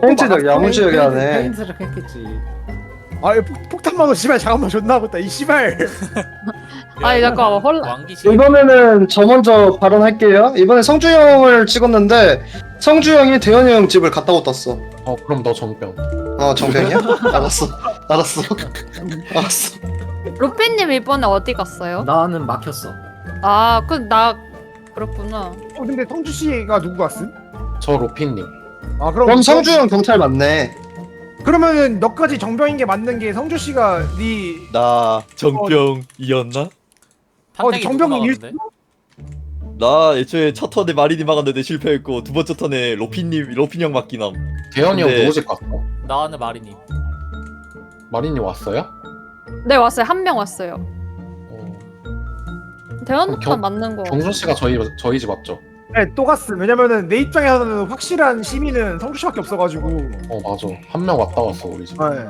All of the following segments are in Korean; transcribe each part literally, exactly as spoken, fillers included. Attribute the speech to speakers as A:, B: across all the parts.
A: 페인트적 야무지게 하네.
B: 페인트적 했겠지.
C: 아 폭- 폭탄 도 씨발 잠깐만 존나 하고 있다 이 씨발.
D: 아니 잠깐 헐.
E: 왕기실.
A: 이번에는 저 먼저 발언할게요. 이번에 성주 형을 찍었는데 성주 형이 대현이 형 집을 갔다고 떴어.
F: 어 그럼 너 정병.
A: 어 정병이야? 알았어. 알았어. 알았어.
D: 루피님 이번에 어디 갔어요?
B: 나는 막혔어.
D: 아, 그 나 그렇구나.
C: 어 근데 성주 씨가 누구 갔음?
F: 저 로피님.
C: 아 그럼
A: 그럼 성주 형 경찰 맞네.
C: 그러면은 너까지 정병인 게 맞는 게 성주 씨가 네
G: 나 정병이었나?
C: 어,
E: 판택이
C: 정병
E: 누구
C: 일.
E: 나왔는데?
G: 나 애초에 첫 턴에 마린이 막았는데 실패했고 두 번째 턴에 로핀님 로핀 형 맞기남.
F: 대현이 형
G: 근데-
F: 누구 집 갔어?
E: 나는 마리님.
F: 마린이 왔어요?
D: 네 왔어요. 한 명 왔어요.
F: 어,
D: 대현부터
F: 경-
D: 맞는 거.
F: 경준 씨가 저희 저희 집 왔죠?
C: 네, 또 갔음. 왜냐면은 내 입장에서는 확실한 시민은 성주 씨밖에 없어가지고.
F: 어 맞아. 한 명 왔다 갔어 우리 집.
C: 네.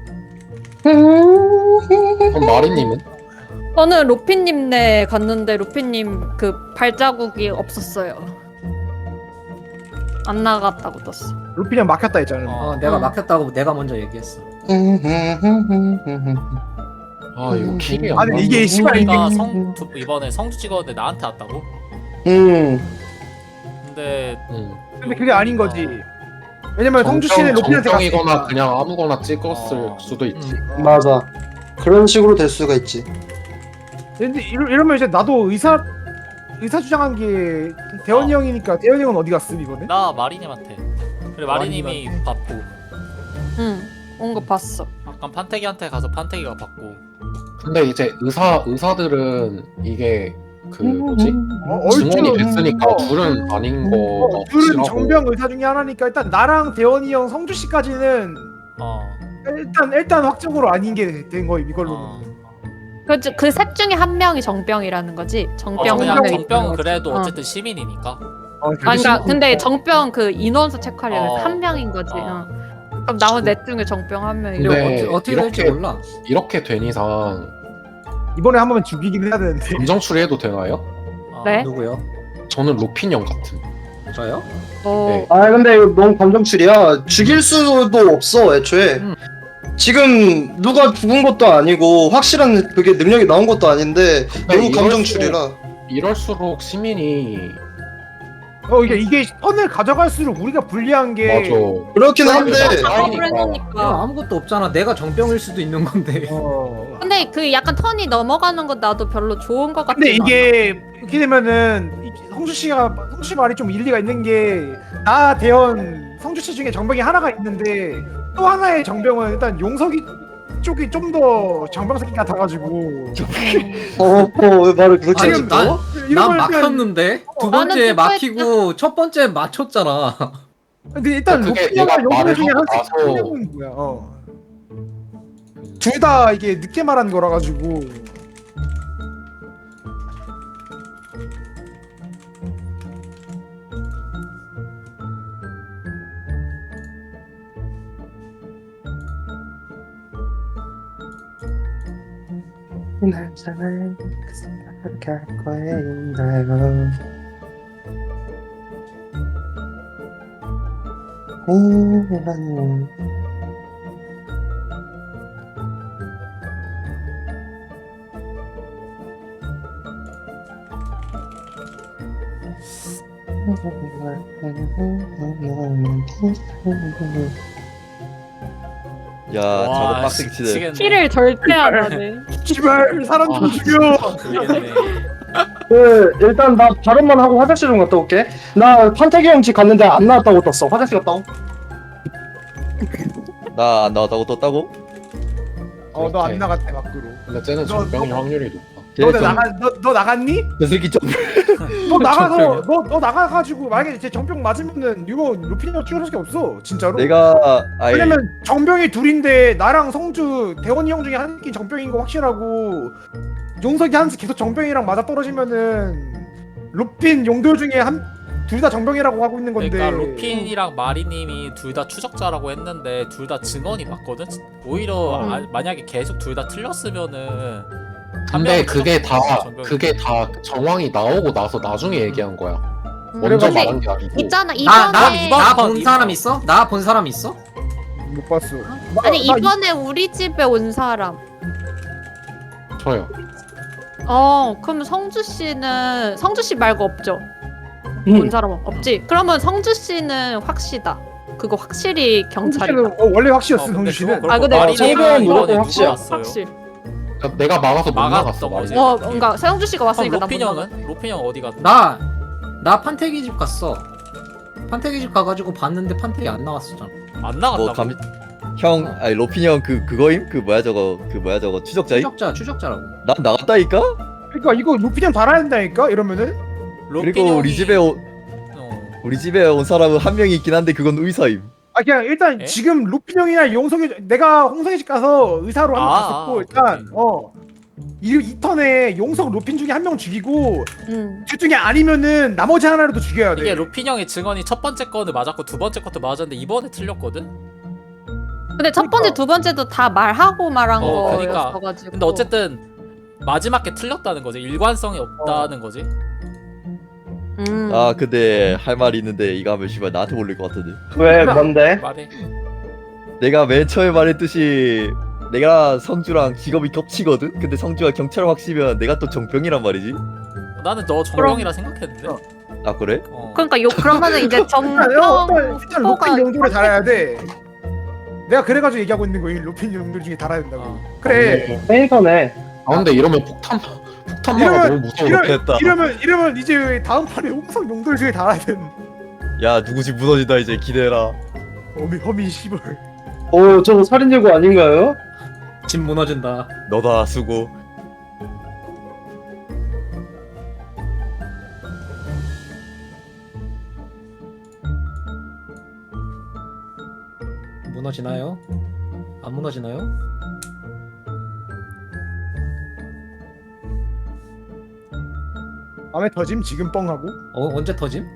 F: 그럼 마린님은?
D: 저는 루피님네 갔는데 루피님 그 발자국이 없었어요. 안 나갔다고 떴어.
C: 루피 형 막혔다 했잖아.
E: 어.
B: 어, 내가
D: 어.
B: 막혔다고 내가 먼저 얘기했어.
F: 아 이거 킬이 안
C: 아니,
F: 나네.
C: 이게 씨발 이게
E: 우리가 성 두- 이번에 성주 찍었는데 나한테 왔다고?
A: 음.
E: 근데
F: 응.
C: 근데 그게 아닌 거지. 왜냐면 성주 씨는 루피한테
F: 정병이거나
C: 갔으니까.
F: 그냥 아무거나 찍었을
E: 어.
F: 수도 있지.
C: 음.
A: 맞아. 그런 식으로 될 수가 있지.
C: 근데 이러, 이러면 이제 나도 의사 의사 주장한 게 대현이
E: 어.
C: 형이니까 대현이 형은 어디 갔음 이번에?
E: 나 마리님한테. 그리고 마리님이 받고
D: 응. 온 거 봤어.
E: 아까 판태기한테 가서 판태기가 받고.
F: 근데 이제 의사 의사들은 이게 그 뭐지?
C: 어,
F: 증언이
C: 얼추-
F: 됐으니까
C: 어.
F: 둘은 아닌 거
C: 어, 둘은 정병 의사 중에 하나니까 일단 나랑 대현이 형, 성주 씨까지는
E: 어.
C: 일단 일단 확정으로 아닌 게 된 거임 이걸로는.
E: 어.
D: 그그 셋 중에 한 명이 정병이라는 거지.
E: 어,
D: 정병
E: 그냥
D: 한 명이.
E: 정병은 그래도
D: 어.
E: 어쨌든 시민이니까.
C: 어,
D: 아, 그러니까 근데 정병 그 인원수 체크하려면
E: 어.
D: 한 명인 거지.
E: 어.
D: 어. 그럼 나머지 넷 중에 정병 한 명이.
F: 근데
B: 어떻게, 어떻게 될지
F: 이렇게-
B: 몰라.
F: 이렇게 된 이상
C: 이번에 한 번만 죽이긴 해야 되는데.
F: 감정 처리해도 되나요?
E: 어.
D: 네?
B: 누구요?
F: 저는 로핀 형 같은.
B: 저요?
D: 어.
F: 네.
A: 아 근데 이거 너무 감정출이야. 죽일 수도 없어 애초에.
B: 음.
A: 지금 누가 죽은 것도 아니고 확실한 그게 능력이 나온 것도 아닌데 너무
F: 이럴수록-
A: 감정출이라.
F: 이럴수록 시민이
C: 어 이게 이게 선을 가져갈수록 우리가 불리한 게.
F: 맞아.
A: 그렇긴 한데
D: 작업을
B: 내가
D: 해놓으니까.
B: 아무것도 없잖아. 내가 정병일 수도 있는 건데.
C: 어.
D: 근데 그 약간 턴이 넘어가는 건 나도 별로 좋은 것 같아.
C: 근데 이게 이렇게 되면은 이- 성주 씨가 성주 씨 말이 좀 일리가 있는 게 나 대현 성주 씨 중에 정병이 하나가 있는데 또 하나의 정병은 일단 용석이 쪽이 좀 더 정병 새끼 같아가지고.
A: 어왜 말을 그렇게
B: 아니,
A: 하지?
B: 난-
C: 이러면
B: 난
C: 일단-
B: 막혔는데 두
D: 나는
B: 번째
D: 듣고
B: 막히고 첫 번째 맞췄잖아.
C: 근데 일단
F: 그게
C: 루피아가
F: 내가
C: 용서
F: 말을
C: 중에
F: 하고
C: 한씩
F: 나서-
C: 하는 거야. 어. 둘 다 이게 늦게 말한 거라 가지고.
A: 날 사랑 그 생각을 갈 거예요. 음,
G: 야 저거
E: 와,
G: 빡세게 치네.
E: 미치겠네.
D: 키를 절대 안 하네.
C: 씨발 사람 좀
F: 아.
C: 죽여.
E: 모르겠네.
A: 그 일단 나 발언만 하고 화장실 좀 갔다 올게. 나 판태기 형 집 갔는데 안 나왔다고 떴어. 화장실 갔다 오.
G: 나 안 나왔다고 떴다고?
C: 어 너 안
F: 그렇게.
C: 나갔대 밖으로.
F: 근데 쟤는
C: 너-
F: 정병일
C: 너-
F: 확률이 높아.
C: 너
G: 쟤
C: 나가 너, 너 나갔니?
G: 저 새끼 좀
C: 너 나가서
B: 정병이야?
C: 너 너 나가가지고 만약에 제 정병 맞으면은 이거 루피니가 찍을 수밖에 없어 진짜로.
G: 내가 아이
C: 왜냐면 정병이 둘인데 나랑 성주 대원이 형 중에 한 끼 정병인 거 확실하고 용석이 한스 계속 정병이랑 맞아 떨어지면은 루핀 용도 중에 한 둘 다 정병이라고 하고 있는 건데.
E: 그러니까 로핀이랑 마리님이 둘 다 추적자라고 했는데 둘 다 증언이 맞거든. 오히려
C: 음.
E: 아, 만약에 계속 둘 다 틀렸으면은 한
F: 근데
E: 명은
F: 그게 다
E: 추적자고 전병이-
F: 그게 다 정황이 나오고 나서 나중에 얘기한 거야. 먼저
D: 근데
F: 말한 게 아니고
D: 있잖아
B: 나 나
D: 이번에
E: 이번-
B: 나 본
E: 이번-
B: 사람 있어? 나 본 사람 있어?
C: 못 봤어.
D: 아니
C: 나- 나
D: 이번에 우리 집에 온 사람.
F: 저요.
D: 어 그럼 성주 씨는 성주 씨 말고 없죠?
A: 음.
D: 본 사람 없지? 그러면 성주 씨는 확시다. 그거 확실히 경찰이다.
C: 성주 씨는 어, 원래 확실했어
E: 어, 근데
C: 성주 씨는.
E: 그거
D: 아, 근데
E: 마린이가
A: 성병은
E: 이번에
A: 무조건
E: 누가
A: 확실해.
E: 왔어요?
D: 확실.
F: 그러니까 내가 막아서 못
E: 막았던
F: 나갔어.
E: 거지.
F: 말이.
D: 어 그러니까 성주 씨가
E: 그럼
D: 왔으니까 나
E: 로핀
D: 못 나가.
E: 형은? 로핀 형 어디 갔나?
B: 나 나 판태기 집 갔어. 판태기 집 가가지고 봤는데 판태기 안 나왔었잖아.
E: 안 나갔다고?
G: 뭐 감... 형 아니 로핀이 형 그 그거임? 그 뭐야 저거 그 뭐야 저거 추적자임?
B: 추적자 추적자라고.
G: 난 나갔다니까?
C: 그러니까 이거 루피냥 달아야 된다니까 이러면은.
E: 로핀
G: 그리고 우리
E: 형이-
G: 집에 오,
E: 어.
G: 우리 집에 온 사람은 한 명이 있긴 한데 그건 의사임.
C: 아 그냥 일단
E: 에?
C: 지금 루피 형이나 용석이 내가 홍석이 집 가서 의사로 한 번
E: 아,
C: 갔었고
E: 아,
C: 일단
E: 오케이.
C: 어. 이, 이 턴에 용석 루핀 중에 한 명 죽이고
D: 응.
C: 둘 중에 아니면은 나머지 하나라도 죽여야 돼.
E: 이게 로핀 형의 증언이 첫 번째 거는 맞았고 두 번째 것도 맞았는데 이번에 틀렸거든?
D: 근데 첫 번째 두 번째도 다 말하고 말한
E: 어, 그러니까.
D: 거였어가지고.
E: 근데 어쨌든 마지막 게 틀렸다는 거지. 일관성이 없다는 거지.
D: 음.
G: 아 근데 할 말이 있는데 이거 하면 씨발 나한테 몰릴 것 같은데.
A: 왜 뭔데?
E: 말해.
G: 내가 맨 처음에 말했듯이 내가 성주랑 직업이 겹치거든? 근데 성주가 경찰 확시면 내가 또 정병이란 말이지?
E: 나는 너 정병이라 생각했는데.
C: 어.
G: 아 그래?
E: 어.
D: 그러니까 요 그러면은 이제
C: 일단,
D: 정병
C: 어, 일단, 일단
D: 후보가
C: 루핀 용도를 달아야 돼. 내가 그래가지고 얘기하고 있는 거야. 루핀 용도 중에 달아야 된다고.
E: 어.
C: 그래.
A: 페인터네.
F: 아 근데 이러면 폭탄 폭탄마가
C: 이러면-
F: 너무 무서워.
C: 이러,
G: 됐다.
C: 이러면 이러면 이제 다음 판에 홍석 용도 중에 달아야 돼.
G: 야 누구 집 무너진다 이제 기대해라.
C: 허미 허미 씨발.
A: 오 저거 살인 예고 아닌가요?
B: 집 무너진다.
G: 너다 수고.
B: 무너지나요? 안 무너지나요?
C: 밤에 터짐 지금 뻥하고.
B: 어 언제 터짐?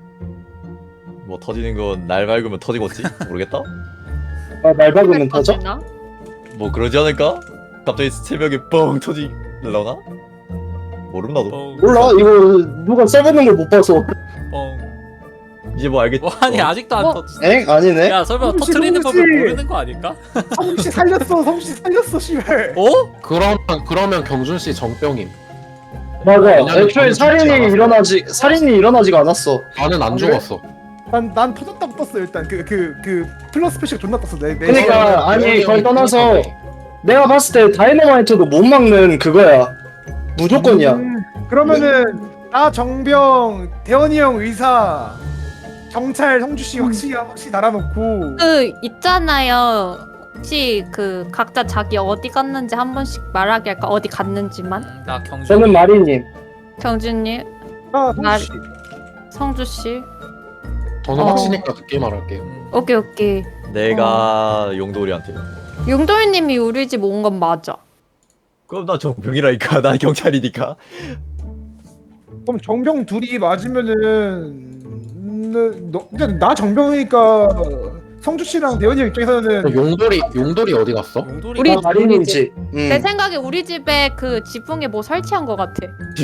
G: 뭐 터지는 건 날 맑으면 터지겠지? 모르겠다?
A: 아날 박으면 터져?
D: 터지나?
G: 뭐 그러지 않을까? 갑자기 새벽에 뻥 터지려나? 모름 나도.
E: 뻥.
A: 몰라 이거 누가 써보는 걸 못 봐서.
E: 뻥.
G: 이제 뭐 알겠지?
E: 뭐 아니 아직도 안
D: 뭐?
E: 터졌어.
A: 엥? 아니네?
E: 야 설마
C: 혹시
E: 터트리는
C: 혹시-
E: 법을 모르는 거 아닐까?
C: 성씨 살렸어. 성씨 살렸어 씨발.
E: 어?
F: 그러면 그러면 경준 씨 정병임.
A: 맞아
F: 왜냐면
A: 애초에
F: 저는 죽지
A: 살인이
F: 않았어.
A: 일어나지 살인이 일어나지가 않았어.
F: 나는 안
C: 아, 그래?
F: 죽었어.
C: 난, 난 터졌다고 떴어 일단 그 그 그 플러스 스페셜 존나 떴어 내, 내
A: 그러니까 아니
F: 대현이
A: 그걸
F: 형이
A: 떠나서
F: 그러니까
A: 내가 봤을 때 다이너마이트도 못 막는 그거야. 무조건이야.
C: 음, 그러면은 나 정병 대현이 형 의사 경찰 성주씨 확실히 확실히 달아놓고
D: 그 있잖아요. 혹시 그 각자 자기 어디 갔는지 한 번씩 말하게 할까? 어디 갔는지만.
E: 음, 나 경주.
A: 저는 마리님.
D: 경준님,
C: 나 성주씨
D: 성주 씨.
F: 저는
D: 어.
F: 확시니까 늦게 말할게요.
E: 음.
D: 오케이 오케이.
G: 내가 용돌이한테.
D: 용돌님이 우리 집 온 건 맞아.
G: 그럼 나 정병이라니까. 나 경찰이니까.
C: 그럼 정병 둘이 맞으면은 음, 너, 근데 나 정병이니까 성주씨랑 대현이 형 입장에서는
F: 용돌이 용돌이 어디 갔어?
E: 용돌이
D: 우리-
A: 아, 마리님지. 음.
D: 내 생각에 우리 집에 그 지붕에 뭐 설치한 것 같아.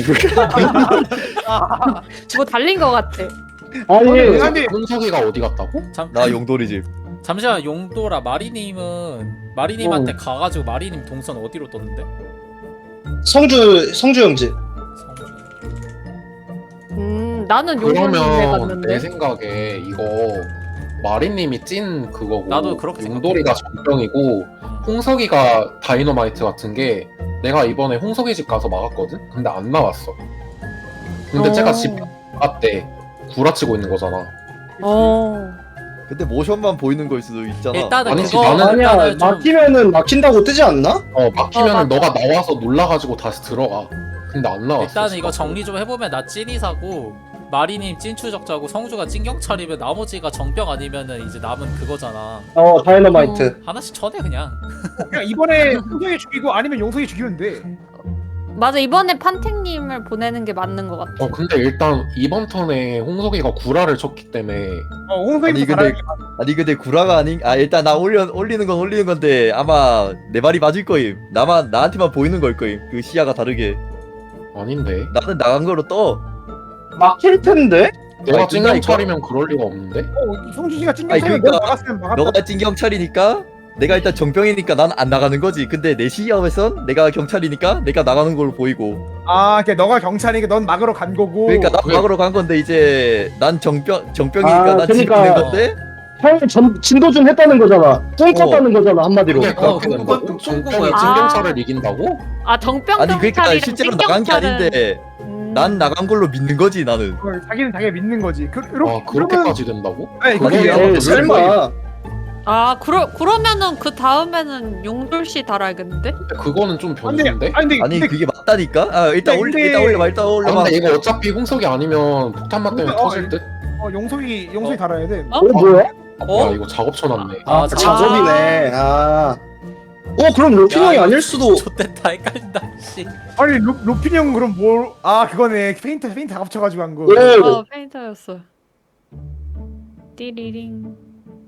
D: 뭐 달린 것 같아.
A: 아니
C: 아니, 아니.
F: 홍석이가 어디 갔다고?
E: 잠,
G: 나 용돌이 집.
E: 잠시만 용돌아 마리님은 마리님한테 가가지고 마리님 동선 어디로 떴는데?
A: 성주 성주 형집.
E: 성주.
D: 음, 나는 용돌님에
F: 그러면
D: 갔는데.
F: 내 생각에 이거 마리님이 찐 그거고
E: 나도 그렇게
F: 용돌이가 정병이고
E: 음.
F: 홍석이가 다이너마이트 같은 게 내가 이번에 홍석이 집 가서 막았거든? 근데 안 나왔어. 근데
D: 어.
F: 제가 집 나갔대. 구라치고 있는 거잖아.
D: 어.
G: 근데 모션만 보이는 걸 수도 있잖아.
E: 일단은
F: 아니지,
E: 그거
F: 나는-
A: 아니야
E: 일단은 좀
A: 막히면은 막힌다고 뜨지 않나?
F: 어 막히면
D: 어,
F: 은
D: 맞아.
F: 너가 나와서 놀라가지고 다시 들어가. 근데 안 나왔어.
E: 일단은 이거 정리 좀 해보면 나 찐이사고 마리님 찐추적자고 성주가 찐경찰이면 나머지가 정병 아니면은 이제 남은 그거잖아.
A: 어 다이너마이트.
E: 하나씩 쳐내 그냥.
C: 그냥 이번에 홍석이 죽이고 아니면 용석이 죽이면 돼.
D: 맞아, 이번에 판택님을 보내는 게 맞는 것 같아.
F: 어 근데 일단 이번 턴에 홍석이가 구라를 쳤기 때문에
C: 어 홍석이
G: 아니 근데 아니 근데 구라가 아닌. 아 일단 나 올려 올리는 건 올리는 건데 아마 내 말이 맞을 거임. 나만 나한테만 보이는 걸 거임. 그 시야가 다르게.
F: 아닌데.
G: 나는 나간 거로 떠.
A: 막힐 텐데?
F: 내가
G: 아니,
F: 찐경
G: 뜬다니까?
F: 차리면 그럴 리가 없는데?
C: 어, 성준 씨가 찡겨
G: 아니,
C: 차면
G: 그러니까
C: 너 나갔으면 막았다.
G: 너가 찐 경찰이니까 내가 일단 정병이니까 난 안 나가는 거지. 근데 내 시야에선 내가 경찰이니까 내가 나가는 걸로 보이고.
C: 아, 그러니까 너가 경찰이니까 넌 막으러 간 거고.
G: 그러니까 나
F: 그게-
G: 막으러 간 건데 이제 난 정병 정병이니까
A: 아,
G: 난
A: 그러니까-
G: 지키는 건데.
A: 형이 전 진도준 했다는 거잖아. 뚱쳤다는 거잖아 한마디로.
F: 그게
B: 어,
F: 그렇게
B: 그건
F: 된다고?
B: 뚱-
F: 정병이
B: 뚱거야.
F: 찐경찰을 이긴다고?
D: 아 정병
G: 아니 그러니까
D: 경찰이랑
G: 실제로
D: 찐
G: 나간 게
D: 경찰은-
G: 아닌데
D: 음.
G: 난 나간 걸로 믿는 거지 나는.
C: 어, 자기는 자기가 믿는 거지. 그, 이렇게,
F: 아 그렇게까지 된다고?
C: 아니,
F: 그거야.
C: 그게-
A: 에이, 설마.
D: 아 그러 그러면은 그 다음에는 용돌 씨 달아야겠는데?
F: 그거는 좀
C: 근데
F: 변수인데?
C: 아니 근데,
G: 아니
C: 근데
G: 그게 맞다니까. 아 일단
C: 근데-
G: 올려
C: 근데-
G: 일단 올려봐 일단
F: 아,
G: 올려봐.
F: 근데 이거 어차피 홍석이 아니면 폭탄만 때문에
C: 어,
F: 터질 듯?
C: 어, 용석이 용석이
E: 어?
C: 달아야 돼.
D: 어?
A: 어 뭐야?
E: 어?
F: 야 이거 작업 쳐놨네.
E: 아,
A: 아,
E: 자-
A: 작업이네. 아. 어 그럼 로키
E: 야,
A: 형이
E: 이거
A: 아닐 수도.
E: 좋댔다 헷갈린다 씨.
C: 아니 로, 로핀 형 그럼 뭘? 아 그거네. 페인트 페인트 다 합쳐가지고 한 거.
A: 오.
D: 어 페인터였어. 띠리링.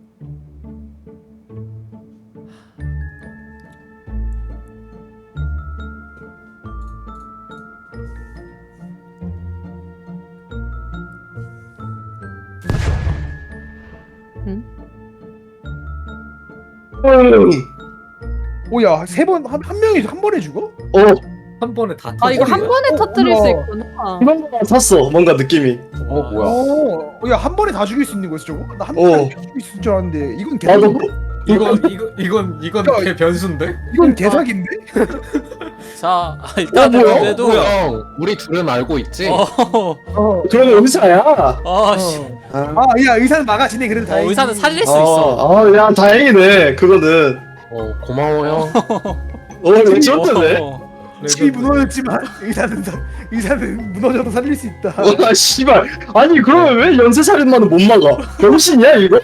A: 음.
C: 오야 세 번 한 한 명이 한 번에 죽어?
A: 어
B: 한 번에 다
D: 아 이거 한
B: 터뜨리네.
D: 번에
C: 어,
D: 터뜨릴 수
C: 우와.
D: 있구나.
A: 그런 거 같았어. 뭔가 느낌이.
F: 어 뭐야?
C: 오, 야한 번에 다 죽일 수 있는 거지 저거? 나한
A: 어.
C: 번에 죽일 수 있을 줄 알았는데 이건
A: 나도
C: 개사기.
B: 이건 이거 이건 이건
C: 야,
B: 개 변수인데?
C: 이건 개사기인데?
E: 자 일단은
A: 뭐야?
E: 그래도
F: 형 우리 둘은 알고 있지?
E: 어,
C: 어.
A: 그러면 의사야.
E: 어, 씨.
A: 아,
C: 아야 의사는 막아지네 그래도
E: 어,
C: 다행히.
E: 의사는 살릴 수
A: 어,
E: 있어.
A: 어, 야 다행이네. 그거는.
F: 어 고마워 형.
A: 어 이거 쩔던데.
E: 어,
C: 집이 무너졌지만 의사는 사- 의사는 무너져도 살릴 수 있다.
A: 와 씨발. 아니 그러면 왜 연쇄살인마는 못 막아? 병신이야 이거?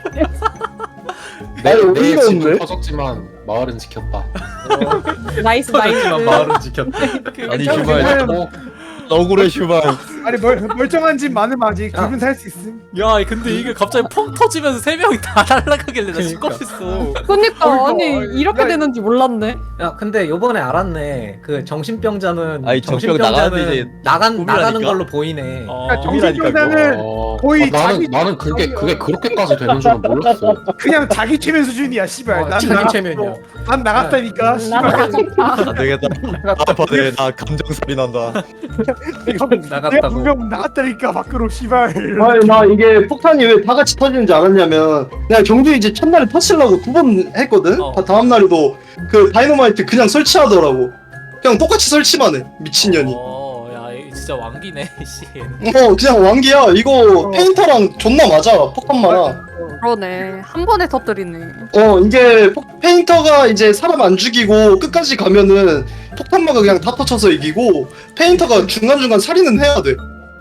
F: 내,
A: 아니,
F: 내
A: 어이가
F: 집은
A: 없네.
F: 터졌지만 마을은 지켰다.
D: 나이스
B: 터졌지만
D: 나이스.
B: 마을은 지켰다.
G: 아니
C: 형,
G: 슈발
F: 어,
G: 억울해 슈발.
C: 아니 멀, 멀쩡한 집 많으면 아직 둘은 살 수 있음.
E: 야 근데 이게 갑자기 펑 터지면서 세 명이 다 날아가길래 나
B: 그러니까.
E: 시겁했어.
D: 그니까
C: 어이구,
D: 아니
C: 어이,
D: 이렇게
C: 야,
D: 되는지 몰랐네.
B: 야 근데 요번에 알았네. 그 정신병자는
G: 아니, 정병
B: 정신병자는
G: 나가는데 이제
B: 나간
G: 꿈이라니까?
B: 나가는 걸로 보이네.
E: 어,
C: 야, 정신병자는
F: 어,
C: 거의
F: 아, 나는
C: 자기-
F: 나는 그게
C: 자기-
F: 그게 그렇게까지 되는 줄은 몰랐어.
C: 그냥 자기 최면 수준이야 씨발.
B: 어,
C: 난
B: 자기
C: 나갔어.
B: 체면이야.
C: 난 나갔다니까.
D: 난
C: 씨발.
D: 나갔다.
G: 안 되겠다. 아 받네 나 감정살이 난다.
C: 내가
B: 나갔다고.
C: 분명 나갔다니까 밖으로 씨발.
A: 아니 나 이게 폭탄이 왜 다 같이 터지는지 알았냐면 내가 경주 이제 첫날에 터치려고 두 번 했거든?
E: 어.
A: 다- 다음 날에도 그 다이너마이트 그냥 설치하더라고. 그냥 똑같이 설치만 해. 미친년이.
E: 어, 야 이거 진짜 왕기네 씨.
A: 어 그냥 왕기야. 이거
C: 어.
A: 페인터랑 존나 맞아. 폭탄마랑.
D: 그러네. 한 번에 터뜨리네.
A: 어 이게 폭- 페인터가 이제 사람 안 죽이고 끝까지 가면은 폭탄마가 그냥 다 터쳐서 이기고 페인터가 중간중간 살인은 해야 돼.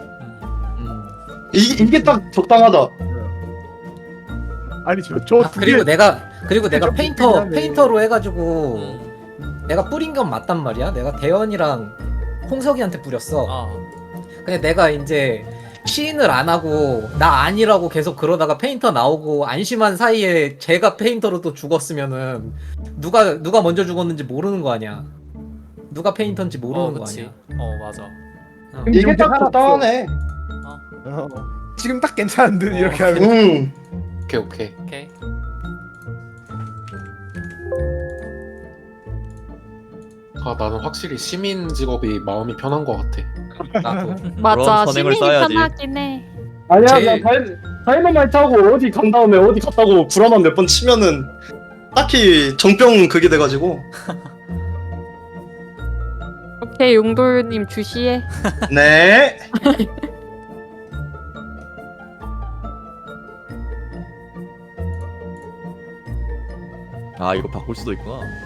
E: 음.
A: 이, 이게 딱 적당하다.
C: 아니 저저
B: 아, 그리고 내가 그리고 내가
C: 좀
B: 페인터
C: 불편하네.
B: 페인터로 해가지고
E: 음.
B: 내가 뿌린 건 맞단 말이야. 내가 대현이랑 홍석이한테 뿌렸어.
E: 아.
B: 근데 내가 이제 시인을 안 하고 나 아니라고 계속 그러다가 페인터 나오고 안심한 사이에 제가 페인터로 또 죽었으면은 누가 누가 먼저 죽었는지 모르는 거 아니야. 누가 페인터인지 모르는
E: 어
B: 거
E: 그치.
B: 아니야.
E: 어 맞아.
B: 어.
A: 이게 딱 적당하네.
C: 어. 지금 딱 괜찮은 듯 이렇게
E: 어.
C: 하면.
A: 음.
F: 오케이 오케이.
E: 오케이.
F: 아 나는 확실히 시민 직업이 마음이 편한 것 같아.
B: 나도.
D: 맞아.
G: 선행을
D: 시민이
G: 써야지.
D: 편하긴 해.
A: 아니야
B: 제일-
A: 나 다이, 다이너마이트 하고 어디 간 다음에 어디 갔다고 불안한 몇 번 치면은 딱히 정병 그게 돼가지고
D: 오케이 용돌님 주시해.
A: 네.
G: 아 이거 바꿀 수도 있구나.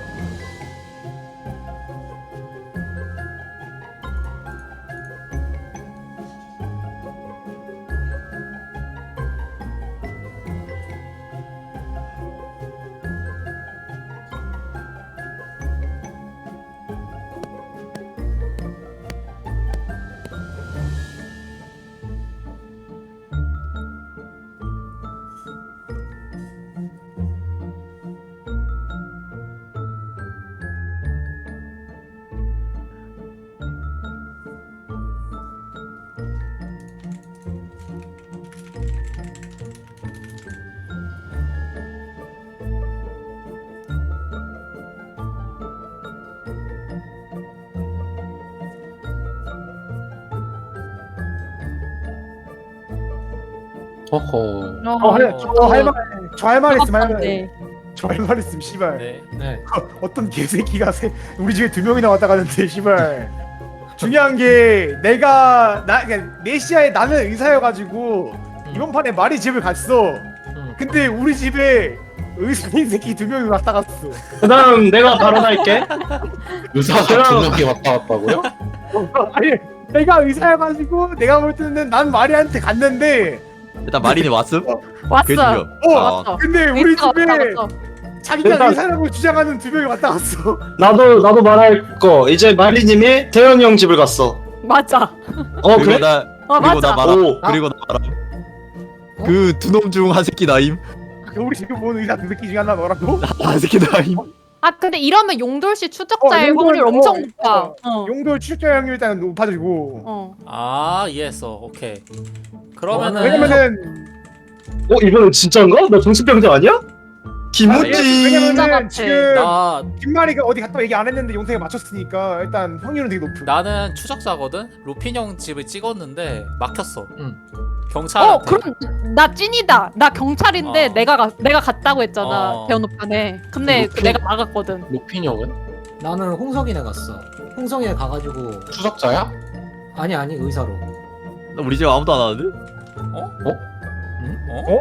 F: 허허.
C: 어, 할, 저할말 저 할 말 있으면 할
D: 네.
C: 저할 말 있으면 씨발
E: 네.
B: 네.
C: 어떤 개새끼가 세, 우리 집에 두 명이나 왔다 가는데 씨발 중요한 게 내가 나 그러니까 네시아에 나는 의사여가지고
B: 음.
C: 이번 판에 말이 집을 갔어.
B: 음.
C: 근데 우리 집에 의사인 새끼 두 명이 왔다 갔어.
A: 그다음 내가 발언할게.
F: 의사가
A: 그럼-
F: 두 명이 왔다 갔다고요?
C: 아니 내가 의사여가지고 내가 볼 때는 난 마리한테 갔는데
G: 일단 마린이 왔음?
D: 왔어.
G: 그게 중요.
C: 어
G: 아,
D: 왔어.
C: 근데 우리
D: 왔어,
C: 집에
D: 왔어, 왔어.
C: 자기가
A: 일단-
C: 의사라고 주장하는 두 명이 왔다 갔어.
A: 나도 나도 말할 거. 이제 마리님이 대현이 형 집을 갔어.
D: 맞아.
A: 어
G: 그리고
A: 그래?
G: 나
D: 어
G: 그리고
D: 맞아.
G: 나 말아.
A: 오.
G: 그리고 나 말아.
B: 어?
G: 그 두 놈 중 한 새끼 나임.
C: 우리 집에 본 의사 두 새끼 중에 하나 너라고?
G: 한 새끼 나임.
D: 아 근데 이러면 용돌씨 추적자의
C: 어, 용돌,
D: 확률
C: 어,
D: 엄청 높아.
C: 어.
D: 어.
C: 용도 출제 확률 일단 높아지고.
D: 어.
E: 아 이해했어. 오케이. 그러면은
C: 왜냐면은
A: 어 이번엔 진짜인가? 나 정신병자 아니야? 김우지.
D: 진짜
C: 왜냐면은
D: 같아.
C: 지금
E: 나
C: 김마리가 어디 갔다 얘기 안 했는데 용태가 맞췄으니까 일단 확률은 되게 높은.
E: 나는 추적자거든. 루핀 형 집을 찍었는데 막혔어.
B: 응.
E: 경찰한테.
D: 어 그럼 나 찐이다. 나 경찰인데
E: 어.
D: 내가 가, 내가 갔다고 했잖아.
E: 어.
D: 대원 오빠네. 근데
F: 루피-
D: 내가 막았거든.
F: 루핀 형은?
B: 나는 홍석이네 갔어. 홍석이네 가가지고
F: 추적자야?
B: 아니 아니 의사로.
G: 나 우리 집 아무도 안 하는데?
E: 어?
B: 응?
E: 어?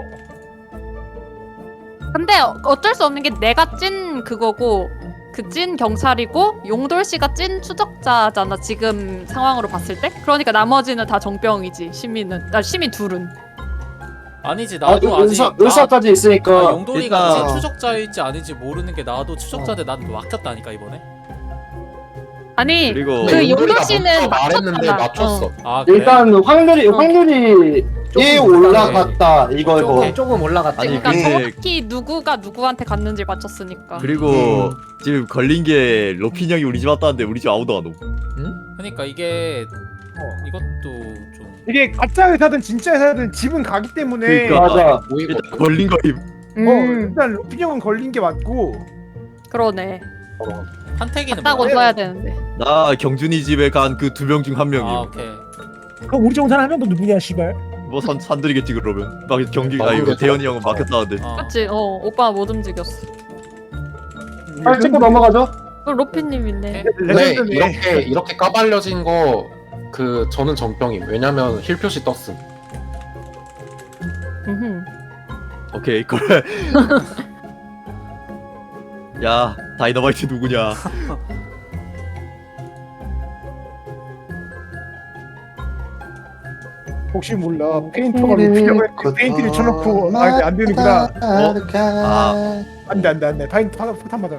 D: 근데 어쩔 수 없는 게 내가 찐 그거고 그 찐 경찰이고 용돌 씨가 찐 추적자잖아 지금 상황으로 봤을 때. 그러니까 나머지는 다 정병이지. 시민은 나 시민 둘은.
E: 아니지
A: 아,
E: 나도 아직
A: 의사
E: 나-
A: 의사까지
E: 아,
A: 있으니까.
E: 용돌이가
G: 일단-
E: 찐 추적자일지 아닌지 모르는 게 나도 추적자인데 난 막혔다니까 이번에.
D: 아니
G: 그리고
D: 그
F: 근데
D: 용돌
F: 용돌이가
D: 씨는
F: 먼저 말했는데
D: 맞췄잖아.
F: 맞췄어.
D: 어.
E: 아 그래?
A: 일단 확률이
D: 어.
A: 확률이 예
B: 조금
A: 올라갔다 이거
E: 조금.
A: 이거.
B: 어, 조금 올라갔다.
G: 아니,
D: 그러니까
G: 근데-
D: 정확히 누구가 누구한테 갔는지 맞췄으니까.
G: 그리고
A: 음.
G: 지금 걸린 게 로핀 형이 우리 집 왔다는데 우리 집 아무도 안 오.
E: 그러니까 이게
C: 어.
E: 이것도 좀
C: 이게 가짜 의사든 진짜 의사든 집은 가기 때문에
G: 그러니까.
A: 맞아.
F: 보이고
G: 일단 걸린 거임.
C: 어,
D: 음
C: 일단 루피 형은 걸린 게 맞고
D: 그러네.
E: 판태기는
D: 갔다고
E: 뭐야?
D: 써야 되는데.
G: 나 경준이 집에 간 그 두 명 중 한 명임.
E: 아 오케이.
H: 그럼 우리 중 사람 한 명도 누구냐 씨발.
G: 뭐 산 산들이겠지 그러면. 막 경기
F: 아,
G: 아 이거
F: 모르겠어.
G: 대현이 형은 막혔다는데.
E: 어.
D: 그치? 어 오빠 못 움직였어.
A: 빨리 찍고 넘어가죠.
D: 그럼 로피님인데.
F: 근데
C: 레전드네.
F: 이렇게 이렇게 까발려진 거 그 저는 정병임. 왜냐면 힐 표시 떴음.
D: 음흠.
G: 오케이 그래. 야 다이너마이트 누구냐?
C: 혹시 몰라 페인터가 루피 형을 페인트를 쳐놓고 아 이게 안 되는구나.
G: 어? 아.
C: 안돼 안돼 안돼 파인트 하나 폭탄 맞아라.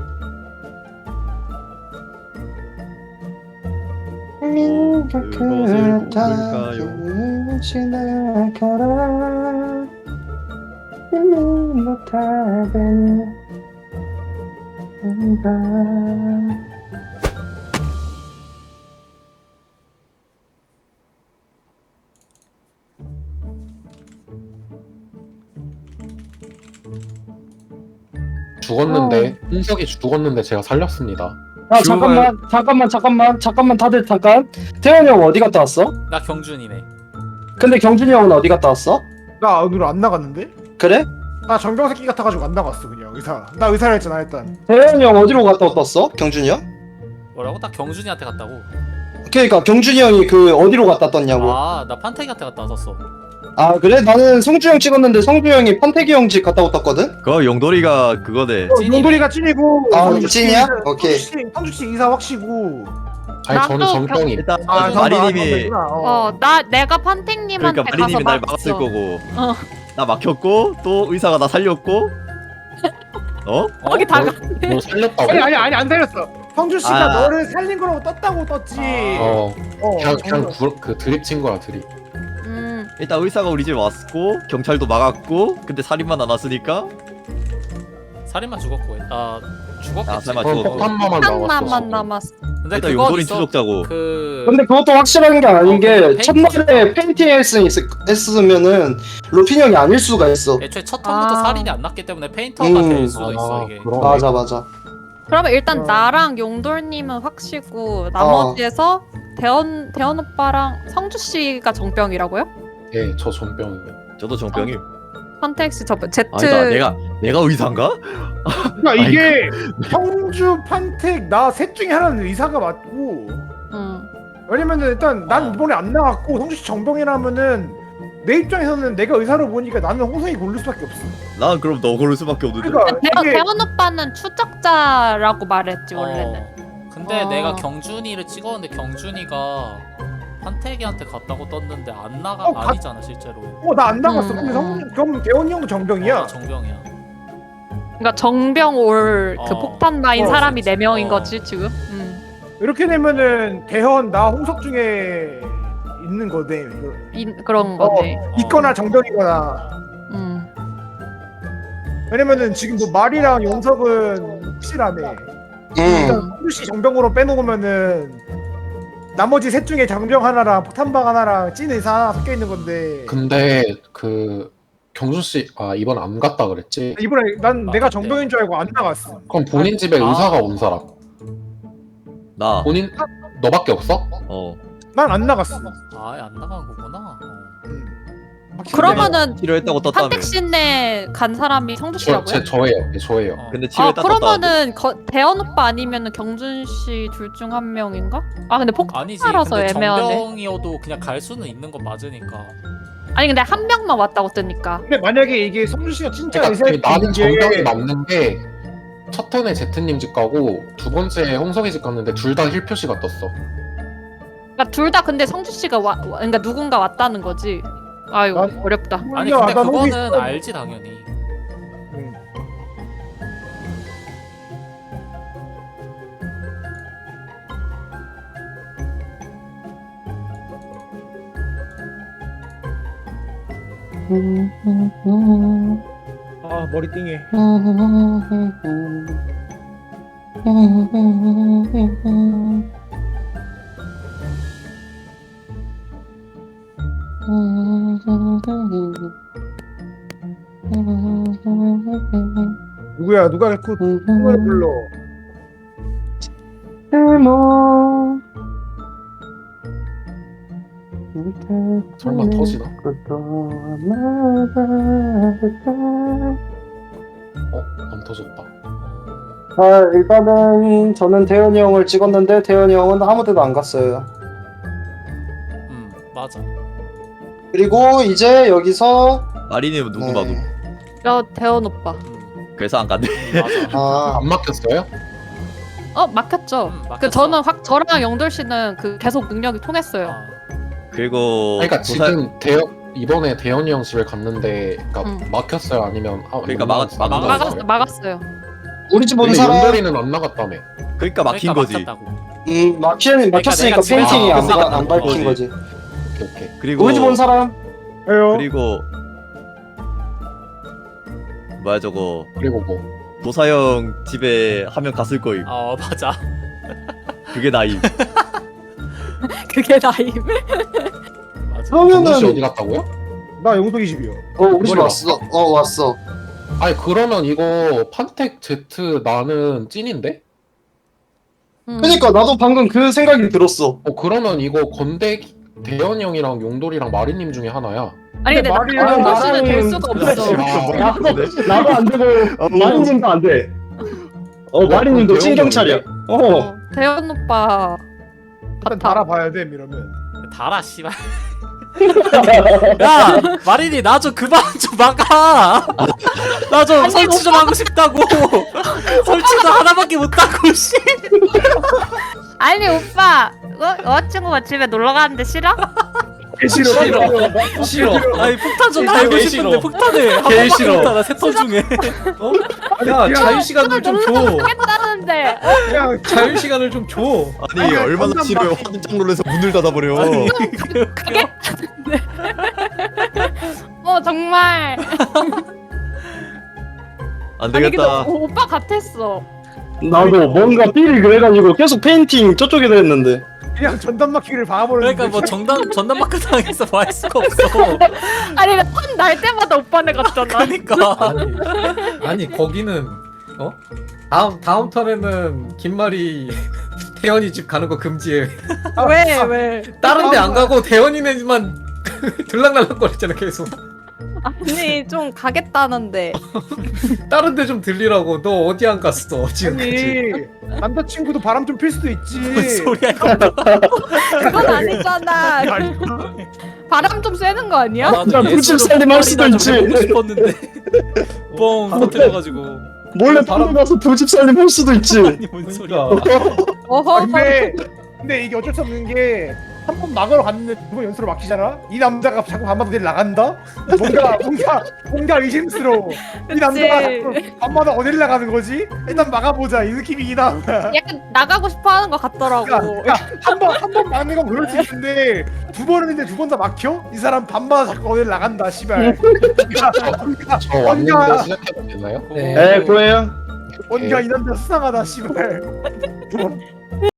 G: 그것을 뽑을까요?
F: 죽었는데 홍석이 죽었는데 제가 살렸습니다.
A: 야 잠깐만 잠깐만 잠깐만 잠깐만 다들 잠깐. 태현이 형 어디 갔다 왔어?
E: 나 경준이네.
A: 근데 경준이 형은 어디 갔다 왔어?
C: 나 오늘 안 나갔는데?
A: 그래?
C: 나 정병 새끼 같아가지고 안 나갔어 그냥 의사. 나 의사를 했잖아 일단.
A: 태현이 형 어디로 갔다 왔어? 경준이 형?
E: 뭐라고? 딱 경준이한테 갔다고.
A: 그러니까 경준이 형이 그 어디로 갔다 떴냐고. 아,
E: 아 나 판태기한테 갔다 왔었어.
A: 그래? 나는 성주 형 찍었는데 성주 형이 판태기 형 집 갔다 왔었거든?
G: 그거 용돌이가 그거네.
C: 어,
E: 찐이네.
C: 용돌이가 찐이고.
A: 아,
C: 성주 씨
A: 찐이야?
C: 의사-
A: 오케이.
C: 성주 씨- 성주 씨 의사 확시고.
F: 아니
D: 나도
F: 저는 정병임.
G: 일단
C: 아
G: 마리님이
D: 어 나 내가 판택님한테
G: 그러니까
D: 가서
G: 마리님이 날 막았을
D: 막았어.
G: 거고.
D: 어.
G: 나 막혔고 또 의사가 나 살렸고. 어?
D: 거기 다 가.
F: 뭐 살렸다고?
C: 아니 아니 아니 안 살렸어. 성주 씨가
G: 아.
C: 너를 살린 거라고 떴다고 떴지.
E: 아.
F: 어
C: 어,
F: 그냥
C: 정말.
F: 그냥 구, 그 드립 친 거야 드립.
D: 음
G: 일단 의사가 우리 집에 왔고 경찰도 막았고 근데 살인만 안 왔으니까
E: 살인만 죽었고. 아 죽었겠지.
G: 아, 설마
F: 그럼
G: 죽었고.
F: 폭탄마만
D: 한나만
F: 나왔어.
D: 남았어.
E: 근데
G: 일단
E: 그건
G: 용돌이
E: 있어.
G: 추적자고.
E: 그
A: 근데 그것도 확실한 게 아닌
E: 어,
A: 게
E: 페인팅
A: 첫날에 페인팅 했으, 했으면은 루핀 형이 아닐 수가 있어.
E: 애초에 첫 턴부터
D: 아.
E: 살인이 안 났기 때문에 페인터가
A: 음.
E: 될 수도 있어
F: 아,
E: 이게.
F: 그러네.
A: 맞아 맞아.
D: 그러면 일단
C: 어.
D: 나랑 용돌님은 확시고 나머지에서 대원 대원 오빠랑 성주 씨가 정병이라고요?
F: 예, 저 정병이에요.
G: 저도 정병임.
D: 판텍스 저 Z
G: 아니다 내가 내가 의사인가?
C: 그러니까 이게 성주, 판택, 나 셋 중에 하나는 의사가 맞고
D: 음.
C: 왜냐면은 일단 난 이번에 안 나갔고 성주 씨 정병이라면은 내 입장에서는 내가 의사로 보니까 나는 홍성이 고를 수밖에 없어.
G: 난 그럼 너 고를 수밖에 없는데.
C: 그러니까
D: 대원,
C: 이게
D: 대원 오빠는 추적자라고 말했지 원래는.
E: 어, 근데
D: 어.
E: 내가 경준이를 찍었는데 경준이가 판태기한테 갔다고 떴는데 안 나가
C: 어, 가-
E: 아니잖아 실제로.
C: 어 나 안 나갔어.
D: 음.
C: 근데 성 그럼 대원이 형도 정병이야.
E: 어, 정병이야.
D: 그러니까 정병 올 그
E: 어.
D: 폭탄 마인
C: 어,
D: 사람이
E: 진짜.
D: 네 명인
E: 어.
D: 거지 지금. 음.
C: 이렇게 되면은 대현 나 홍석 중에 있는 거네. 이거.
D: 이, 그런 거네.
E: 어.
C: 있거나 정병이거나.
D: 음.
C: 왜냐면은 지금 뭐 말이랑 용석은 확실하네.
A: 음.
C: 일단 성주 씨 정병으로 빼놓으면은 나머지 셋 중에 정병 하나랑 폭탄방 하나랑 찐 의사 하나 섞여 있는 건데.
F: 근데 그 경준 씨 아 이번 안 갔다 그랬지?
C: 이번에 난
E: 아,
C: 내가
E: 네.
C: 정병인 줄 알고 안 나갔어.
F: 그럼 본인 집에
E: 아.
F: 의사가 온 사람
G: 나.
F: 본인 너밖에 없어?
G: 어.
C: 난 안 나갔어.
E: 아예 안 나간 거구나. 어.
D: 그러면은
G: 치료했다고 떴다며.
D: 판택신에 간 사람이 성주
F: 저,
D: 씨라고요?
F: 제 저예요. 네, 저예요.
E: 어.
G: 근데
D: 아
G: 치료했다 떴다는데.
D: 그러면은 거, 대현 오빠 아니면은 경준 씨 둘 중 한 명인가? 아 근데
E: 아니지.
D: 폭탄이라서
E: 근데
D: 애매하네.
E: 정병이어도 그냥 갈 수는 있는 건 맞으니까.
D: 아니 근데 한 명만 왔다고 뜨니까.
C: 근데 만약에 이게 성주 씨가 진짜
F: 그러니까
C: 의사일
F: 나는 정병이
C: 게
F: 맞는 게 첫 턴에 제트님 집 가고 두 번째 홍석이 집 갔는데 둘 다 힐 표시가 떴어.
D: 그러니까 둘 다 근데 성주 씨가 와, 와- 그러니까 누군가 왔다는 거지. 아유
C: 난-
D: 어렵다.
E: 아니
C: 야,
E: 근데
C: 난 홍석이
E: 그거는
C: 있어.
E: 알지 당연히.
C: 응. 아 머리 띵해. 누구야? 누가 그 노래 불러?
F: 설마 터지나? 어? 안 터졌다.
A: 아 일단은 저는 대현이 형을 찍었는데 대현이 형은 아무데도 안 갔어요.
E: 음 맞아.
A: 그리고 이제 여기서
G: 마리님 누구
A: 네.
G: 봐도.
D: 야 대현 오빠.
E: 음
G: 그래서 안 갔네.
E: 맞아.
A: 아
F: 안 막혔어요?
D: 어 막혔죠.
E: 음, 막혔어.
D: 그 저는 확 저랑 영돌 씨는 그 계속 능력이 통했어요.
E: 아,
G: 그리고
F: 그러니까
G: 도사-
F: 지금 대현 이번에 대현이 형 집에 갔는데 그러니까
D: 응.
F: 막혔어요? 아니면 아,
G: 그러니까
F: 못
G: 막았-
F: 나갔- 안
G: 막았어.
F: 나갔어요?
D: 막았 막았어요.
A: 우리 집 온
F: 근데
A: 사람
F: 연돌이는 안 나갔다며.
G: 그러니까 막힌
E: 그러니까
G: 거지.
E: 막혔다고.
A: 음 막힌 막혔으니까
E: 내가 집에서
A: 페인팅이 안,
G: 막혔으니까
A: 가- 안
G: 나온
A: 밝힌
G: 거지.
A: 거지.
F: 오케이 오케이.
G: 그리고
A: 우리 집 온 사람
C: 왜요?
G: 그리고 뭐야 저거
F: 그리고 뭐
G: 도사형 집에 한 명 갔을 거임.
E: 어 맞아.
G: 그게 나임.
D: 그게 나임.
E: 맞아.
F: 정준 씨
A: 그러면은
F: 어디 갔다고요?
C: 나 용석이 집이요.
A: 어 우리 집
F: 머리
A: 왔어. 어 왔어.
F: 아니 그러면 이거 판텍 제트 나는 찐인데?
D: 음.
A: 그러니까 나도 방금 그 생각이 들었어.
F: 어 그러면 이거 건대 대현이 형이랑 용돌이랑 마리님 중에 하나야.
D: 아니 근데
C: 말이-
D: 나 영돌
A: 아,
D: 씨는 될
A: 나는-
D: 수가
A: 그래.
D: 없어.
F: 아,
A: 나도 나도 안 되고
G: 어,
A: 마리님도 안 돼. 어
F: 어,
A: 마리님도
F: 그럼
A: 찐 경찰이야. 어.
D: 어, 대현 오빠
C: 일단
D: 같아.
C: 달아봐야 돼 이러면.
E: 달아 씨발. 야 마린이 나 좀 그만 좀 막아. 나 좀 설치 좀 하고 싶다고. 설치도 하나밖에 못하고 씨.
D: 아니 오빠 어, 여자친구가 집에 놀러 가는데 싫어?
C: 싫어.
B: 싫어. 싫어.
E: 아니 폭탄 좀
B: 싫어,
E: 달고
B: 개
E: 싶은데
B: 싫어.
E: 폭탄을 한
B: 개
E: 번밖에
B: 싫어.
E: 못하나 세턴 중에.
B: 야 자유 시간을 좀 줘.
D: 하겠다는데
C: 그냥
B: 자유 시간을 좀 줘.
G: 아니
C: 아니,
G: 얼마나
C: 건담
G: 싫어요.
C: 막힌-
G: 화들짝 놀라서 문을 닫아버려.
D: 어 정말
G: 안
D: 아니 근데
G: 되겠다.
D: 오- 오빠 같았어.
A: 나도 뭔가 삘이 그래가지고 계속 페인팅 저쪽에도 했는데.
C: 그냥 전담 막히기를 봐버렸는데.
E: 그러니까 뭐 정당 전담 마크 당해서 뭐 할 수가 없어.
D: 아니 날 때마다 오빠네 같잖아.
E: 그러니까.
B: 아니, 아니 거기는 어? 다음 다음 턴에는 김말이 태연이 집 가는 거 금지해.
D: 왜 왜?
B: 다른 데 안 가고 태연이네만 들락날락거리잖아 계속.
D: 아니 좀 가겠다는데.
B: 다른 데 좀 들리라고. 너 어디 안 갔어 지금까지?
C: 아니 남자친구도 바람 좀 필 수도 있지.
E: 무슨 소리야 이거.
D: 그건 아니잖아. 바람 좀 쐬는 거 아니야?
E: 나도
A: 진짜
E: 예술로
A: 불집 살림 할 수도
E: 뽕
A: 있지.
E: 보고 싶었는데 뻥 터뜨려가지고.
A: 몰래 바람 가서 불집 살림 할 수도 있지.
E: 아니 뭔 소리야.
D: 어허.
C: 근데 근데 이게 어쩔 수 없는 게 한 번 막으러 갔는데 두 번 연수로 막히잖아. 이 남자가 자꾸 밤마다 어딜 나간다. 뭔가 뭔가 뭔가 의심스러워. 이 남자가 자꾸 밤마다 어딜 나가는 거지? 일단 막아보자 이 느낌이긴 하.
D: 약간 나가고 싶어 하는 것 같더라고.
C: 한번 한 번 막는 건 그럴 수 있는데 두 번 했는데 두 번 다 막혀? 이 사람 밤마다 자꾸 어딜 나간다. 씨발.
F: 저 왔는데 시작해도 되나요?
A: 네, 고해요.
C: 뭔가 이 남자 수상하다. 씨발.